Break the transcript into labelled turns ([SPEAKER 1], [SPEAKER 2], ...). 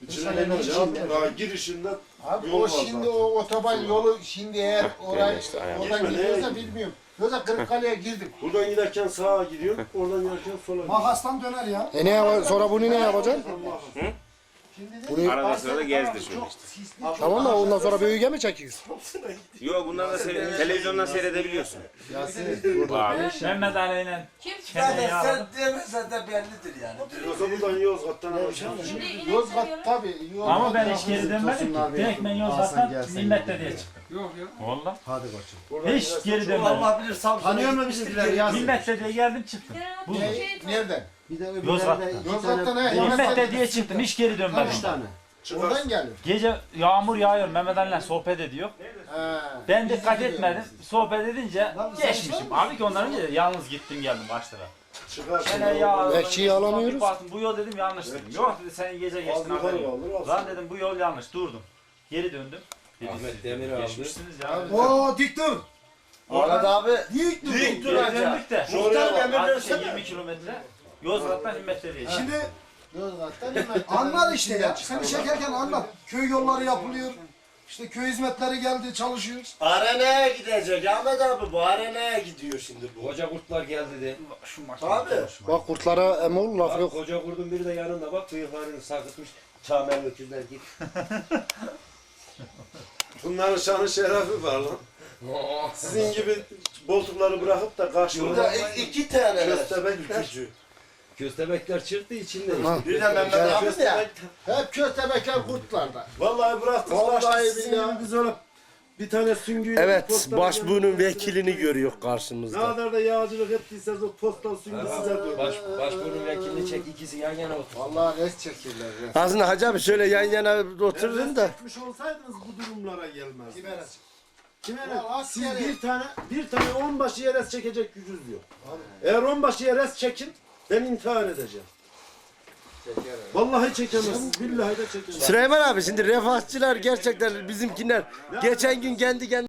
[SPEAKER 1] İçine girişinde
[SPEAKER 2] Abi
[SPEAKER 1] yol
[SPEAKER 2] o
[SPEAKER 1] var
[SPEAKER 2] şimdi
[SPEAKER 1] zaten.
[SPEAKER 2] o otoban yolu şimdi eğer orayı
[SPEAKER 3] işte, aynen.
[SPEAKER 2] oradan
[SPEAKER 1] Geçme,
[SPEAKER 2] gidiyorsa
[SPEAKER 1] neye
[SPEAKER 2] bilmiyorum. Yoksa Kırıkkale'ye girdim.
[SPEAKER 1] Buradan giderken sağa gidiyorsun, oradan giderken sola gidiyorsun.
[SPEAKER 4] Makastan döner ya.
[SPEAKER 5] Sonra bunu ne yapacaksın?
[SPEAKER 2] Şimdi de
[SPEAKER 3] Arada sırada gezdir şöyle işte.
[SPEAKER 2] sisli
[SPEAKER 5] Tamam da ondan sonra büyüge mi çekiyorsun?
[SPEAKER 3] Yok bunları da televizyondan seyredebiliyorsun.
[SPEAKER 6] Mehmet Ali'yle
[SPEAKER 7] Kim?
[SPEAKER 6] Kene'yi
[SPEAKER 8] Sen
[SPEAKER 6] aldım.
[SPEAKER 8] demesen de bellidir yani.
[SPEAKER 1] Yoksa buradan Yozgat'tan alacağım.
[SPEAKER 7] Şimdi inek
[SPEAKER 2] Yozgat
[SPEAKER 7] seviyorum.
[SPEAKER 2] tabii. Yozgat
[SPEAKER 6] Ama ben hiç
[SPEAKER 2] tarafı-
[SPEAKER 6] geri dönmedim ki. Direkt ben Yozgat'tan Nimet'te diye çıktım.
[SPEAKER 4] Yok ya.
[SPEAKER 6] Valla.
[SPEAKER 5] Hadi koçum.
[SPEAKER 1] Buradan
[SPEAKER 6] Hiç
[SPEAKER 1] gidersen
[SPEAKER 6] geri
[SPEAKER 1] çok-
[SPEAKER 6] dönmedim.
[SPEAKER 8] Allah bilir Samsun'a
[SPEAKER 5] Tanıyor mu
[SPEAKER 8] gitmiştir,
[SPEAKER 5] bizimkiler
[SPEAKER 8] geri
[SPEAKER 5] ya?
[SPEAKER 8] dönmüş.
[SPEAKER 6] Nimet'te diye geldim çıktım.
[SPEAKER 7] Bu
[SPEAKER 2] Ne-
[SPEAKER 7] şey
[SPEAKER 2] Nereden?
[SPEAKER 5] Bir de
[SPEAKER 6] Yozgat'ta.
[SPEAKER 2] Yozgat'ta ne?
[SPEAKER 6] Nimet'te diye çıktım. Hiç geri dönmedim.
[SPEAKER 5] 3 tane.
[SPEAKER 2] Oradan gelir.
[SPEAKER 6] Gece yağmur yağıyor. Mehmet Ali'yle sohbet ediyor.
[SPEAKER 2] He.
[SPEAKER 6] Ben dikkat etmedim. Sohbet edince geçmişim. Abi ki ondan önce de yalnız gittim geldim başlara.
[SPEAKER 1] Çıkarsın.
[SPEAKER 6] Gene ya.
[SPEAKER 5] Bekçiyi alamıyoruz.
[SPEAKER 6] Bir baktım, bu yol dedim yanlış dedim. Yok dedi sen gece geçtin
[SPEAKER 1] Az yukarı
[SPEAKER 6] haberin yok.
[SPEAKER 1] kaldır, az.
[SPEAKER 6] Lan dedim bu yol yanlış durdum. Geri döndüm.
[SPEAKER 3] Ahmet Demir aldı.
[SPEAKER 6] Geçmişsiniz ya.
[SPEAKER 4] Oo dik dur.
[SPEAKER 8] Arada abi
[SPEAKER 4] Dik dur.
[SPEAKER 8] dik dur
[SPEAKER 6] Geri
[SPEAKER 8] hacı.
[SPEAKER 6] döndük de.
[SPEAKER 8] Muhtar emir
[SPEAKER 6] Hadi
[SPEAKER 8] versene.
[SPEAKER 6] 20 kilometre. Yozgat'tan Himmet'te diye.
[SPEAKER 4] Şimdi
[SPEAKER 2] Yozgat'tan hemen.
[SPEAKER 4] anlat işte ya. Seni çekerken anlat. Köy yolları yapılıyor. İşte köy hizmetleri geldi çalışıyoruz.
[SPEAKER 8] Arenaya gidecek Ahmet abi, bu arenaya gidiyor şimdi bu.
[SPEAKER 3] Koca kurtlar geldi de.
[SPEAKER 6] Şu maç.
[SPEAKER 8] Abi.
[SPEAKER 5] Bak kurtlara emol laf
[SPEAKER 3] Bak
[SPEAKER 5] yok.
[SPEAKER 3] koca kurdun biri de yanında bak bıyıklarını sarkıtmış. Çamen öküzler git.
[SPEAKER 1] Bunların şanı şerefi var lan. Sizin gibi boltukları bırakıp da
[SPEAKER 8] Burada
[SPEAKER 1] karşıda
[SPEAKER 8] iki tane.
[SPEAKER 1] köstebek ülkücü.
[SPEAKER 3] Köstebekler çıktı içinde.
[SPEAKER 8] Bir de Mehmet abi de ya.
[SPEAKER 2] Hep köstebekler kurtlarda.
[SPEAKER 1] Vallahi bıraktık.
[SPEAKER 2] Vallahi
[SPEAKER 1] Vallahi sizin
[SPEAKER 2] billahi.
[SPEAKER 1] gibi biz öyle bir tane süngüyle
[SPEAKER 5] Evet,
[SPEAKER 1] postal
[SPEAKER 5] başbuğunun
[SPEAKER 1] geldi.
[SPEAKER 5] vekilini görüyor
[SPEAKER 1] Ne
[SPEAKER 5] karşımızda.
[SPEAKER 1] kadar da yağcılık ettiyseniz o postal süngü size dönüyor.
[SPEAKER 3] Başbuğun vekilini çek ikisi yan yana otur.
[SPEAKER 2] Vallahi res çekirler. Res.
[SPEAKER 5] Aslında Hacı abi şöyle yan yana oturun da.
[SPEAKER 1] Etmiş olsaydınız bu durumlara gelmez. Kime
[SPEAKER 2] Ya
[SPEAKER 1] ne?
[SPEAKER 2] askeri.
[SPEAKER 1] Siz bir tane onbaşı yeres çekecek gücünüz yok. Eğer onbaşı yeres çekin ben intihar edeceğim. Vallahi çekemezsiniz. Billahi de çekemezsiniz.
[SPEAKER 5] Süleyman abi şimdi refahçılar gerçekten bizimkiler geçen gün kendi